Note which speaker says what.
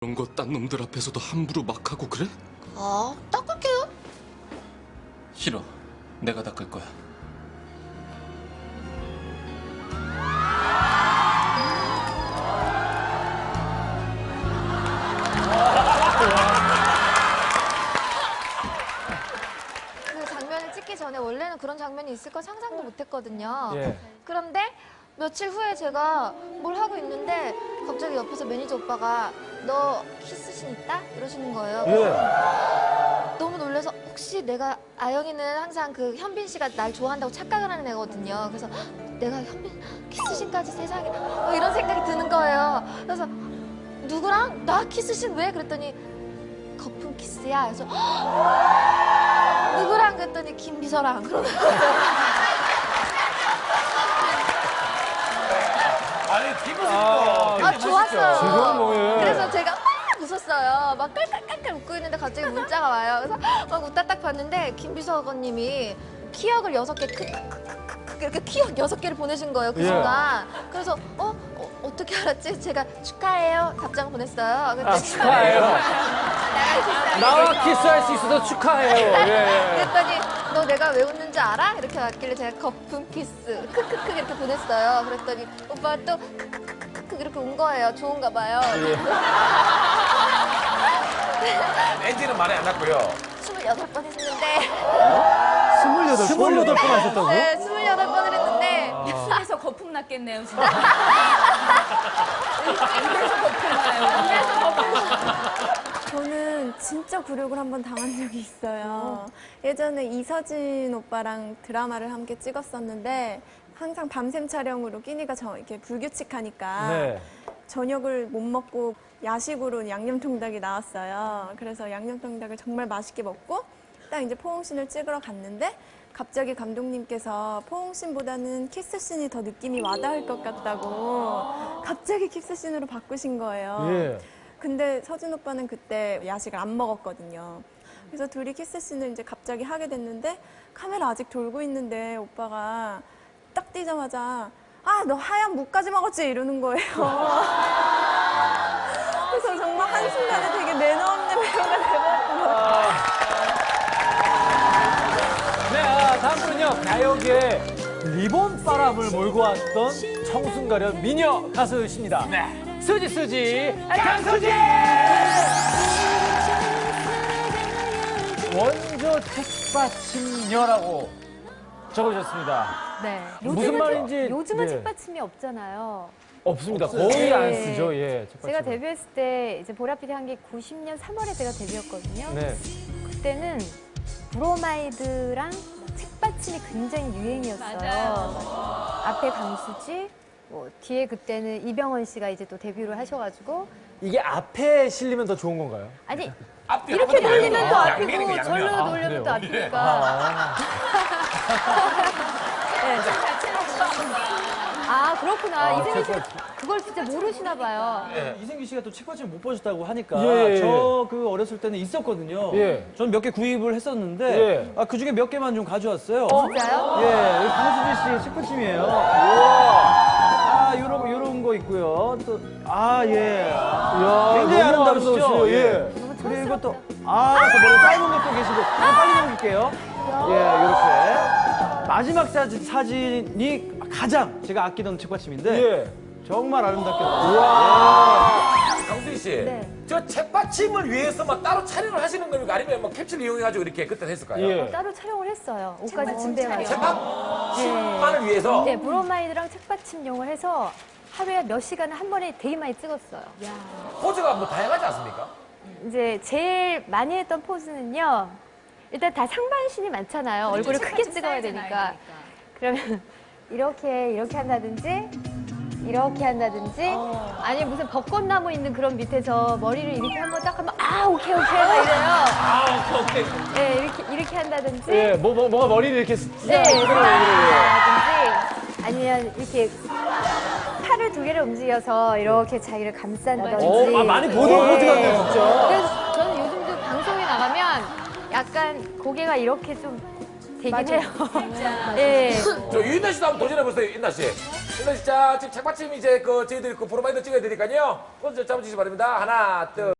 Speaker 1: 그런 거 딴 놈들 앞에서도 함부로 막 하고 그래?
Speaker 2: 아, 닦을게요.
Speaker 1: 싫어. 내가 닦을 거야.
Speaker 3: 그 장면을 찍기 전에 원래는 그런 장면이 있을 건 상상도 못했거든요.
Speaker 4: 예.
Speaker 3: 그런데 며칠 후에 제가 뭘 하고 있는데 갑자기 옆에서 매니저 오빠가 너 키스신 있다? 이러시는 거예요.
Speaker 4: 예.
Speaker 3: 너무 놀라서 혹시 내가 아영이는 항상 그 현빈 씨가 날 좋아한다고 착각을 하는 애거든요. 그래서 내가 현빈 키스신까지 세상에 이런 생각이 드는 거예요. 그래서 누구랑? 나 키스신 왜? 그랬더니 거품 키스야. 그래서 누구랑? 그랬더니 김비서랑. 그러는 거예요.
Speaker 5: 아니 기분이
Speaker 3: 좋았어요.
Speaker 4: 지금 뭐예요?
Speaker 3: 그래서 제가 막 웃었어요. 막 깔깔깔깔 웃고 있는데 갑자기 문자가 와요. 그래서 막 웃다 딱 봤는데 김비서관님이 키역을 6개 크크크크크 이렇게 키역 6개를 보내신 거예요. 그
Speaker 4: 예.
Speaker 3: 순간. 그래서 어떻게 알았지? 제가 축하해요 답장을 보냈어요. 그랬더니
Speaker 4: 축하해요. 나와 키스할 수 있어서 축하해요. 예.
Speaker 3: 그랬더니 너 내가 왜 웃는지 알아? 이렇게 왔길래 제가 거품 키스 크크크 이렇게 보냈어요. 그랬더니 오빠가 또 크크크크 이렇게 온 거예요. 좋은가 봐요.
Speaker 5: 엔지는 말이 안 났고요.
Speaker 3: 28번 했는데
Speaker 4: 28번 하셨다고요?
Speaker 3: 네, 28번을 했는데
Speaker 6: 입술에서 거품 났겠네요, 진짜. 입에서 거품 나요. 입에서 거품.
Speaker 7: 저는 진짜 굴욕을 한번 당한 적이 있어요. 예전에 이서진 오빠랑 드라마를 함께 찍었었는데 항상 밤샘 촬영으로 끼니가 이렇게 불규칙하니까
Speaker 4: 네.
Speaker 7: 저녁을 못 먹고 야식으로 양념통닭이 나왔어요. 그래서 양념통닭을 정말 맛있게 먹고 딱 이제 포옹신을 찍으러 갔는데 갑자기 감독님께서 포옹신보다는 키스신이 더 느낌이 와닿을 것 같다고 갑자기 키스신으로 바꾸신 거예요.
Speaker 4: 예.
Speaker 7: 근데 서진 오빠는 그때 야식을 안 먹었거든요. 그래서 둘이 키스씬을 이제 갑자기 하게 됐는데 카메라 아직 돌고 있는데 오빠가 딱 뛰자마자 아, 너 하얀 무까지 먹었지? 이러는 거예요. 그래서 정말 한순간에 되게 매너 없는 배우가 돼버렸어요.
Speaker 4: 네, 다음 분은요. 가요계에 리본 바람을 몰고 왔던 청순가련 미녀 가수십니다. 네. 수지 강수지! 원조 책받침녀라고 적어주셨습니다.
Speaker 6: 네.
Speaker 4: 무슨 말인지
Speaker 6: 요즘은
Speaker 4: 예.
Speaker 6: 책받침이 없잖아요.
Speaker 4: 없습니다. 거의 안 쓰죠. 예. 책받침.
Speaker 6: 제가 데뷔했을 때 이제 보라피디 한 게 90년 3월에 제가 데뷔했거든요.
Speaker 4: 네.
Speaker 6: 그때는 브로마이드랑 책받침이 굉장히 유행이었어요. 앞에 강수지, 뒤에 그때는 이병헌 씨가 이제 또 데뷔를 하셔가지고
Speaker 4: 이게 앞에 실리면 더 좋은 건가요?
Speaker 6: 아니
Speaker 5: 앞뒤
Speaker 6: 이렇게
Speaker 5: 앞뒤
Speaker 6: 돌리면 또
Speaker 5: 양면이고,
Speaker 6: 앞이고
Speaker 5: 양면.
Speaker 6: 절로 돌리면 또 앞이니까. 네. 아 그렇구나. 이승기 씨 그걸 진짜 모르시나 봐요.
Speaker 8: 이승기 씨가 또 책받침 못 보셨다고 하니까
Speaker 4: 예.
Speaker 8: 저 그 어렸을 때는 있었거든요.
Speaker 4: 예.
Speaker 8: 저는 몇 개 구입을 했었는데
Speaker 4: 예.
Speaker 8: 그 중에 몇 개만 좀 가져왔어요.
Speaker 6: 진짜요?
Speaker 8: 예, 여기 강수지 씨 책받침이에요. 요런 거 있고요. 또 예.
Speaker 4: 이야,
Speaker 8: 굉장히
Speaker 4: 너무
Speaker 8: 아름다우시죠?
Speaker 4: 아름다우시네요. 예.
Speaker 8: 그리고 또 저 머리 짧은 것도 계시고 빨리 넘길게요. 예, 이렇게 마지막 사진이 가장 제가 아끼던 책받침인데
Speaker 4: 예.
Speaker 8: 정말 아름답게
Speaker 5: 강수희 씨,
Speaker 6: 네.
Speaker 5: 저 책받침을 위해서 막 따로 촬영을 하시는 겁니까? 아니면 막 캡슐 이용해가지고 이렇게 그때 했을까요?
Speaker 4: 예.
Speaker 6: 따로 촬영을 했어요. 옷까지 준비해가지고.
Speaker 5: 책받침만을 위해서?
Speaker 6: 네, 브로마이드랑 책받침용을 해서 하루에 몇 시간을 한 번에 되게 많이 찍었어요.
Speaker 5: 포즈가 뭐 다양하지 않습니까?
Speaker 6: 이제 제일 많이 했던 포즈는요. 일단 다 상반신이 많잖아요. 얼굴을 크게 찍어야 되니까. 그러면 이렇게 한다든지 이렇게 한다든지 아니 무슨 벚꽃나무 있는 그런 밑에서 머리를 이렇게 한번 딱 하면 오케이 막 이래요.
Speaker 5: 오케이.
Speaker 6: 네, 이렇게 한다든지
Speaker 4: 예. 뭐가 머리를 이렇게
Speaker 6: 네, 한다든지 아니면 이렇게 팔을 2개를 움직여서 이렇게 자기를 감싼다든지.
Speaker 4: 많이 보던 포즈 같네요, 진짜.
Speaker 6: 그래서 저는 요즘도 방송에 나가면 약간 고개가 이렇게 좀 되긴 해요. 예.
Speaker 5: 저 유인나 씨도 한번 도전해보세요, 유인나 씨. 유인나 씨, 자, 지금 책받침 이제 저희들이 그 프로마이더 찍어야 되니까요. 그거 잡아주시기 바랍니다. 하나, 둘.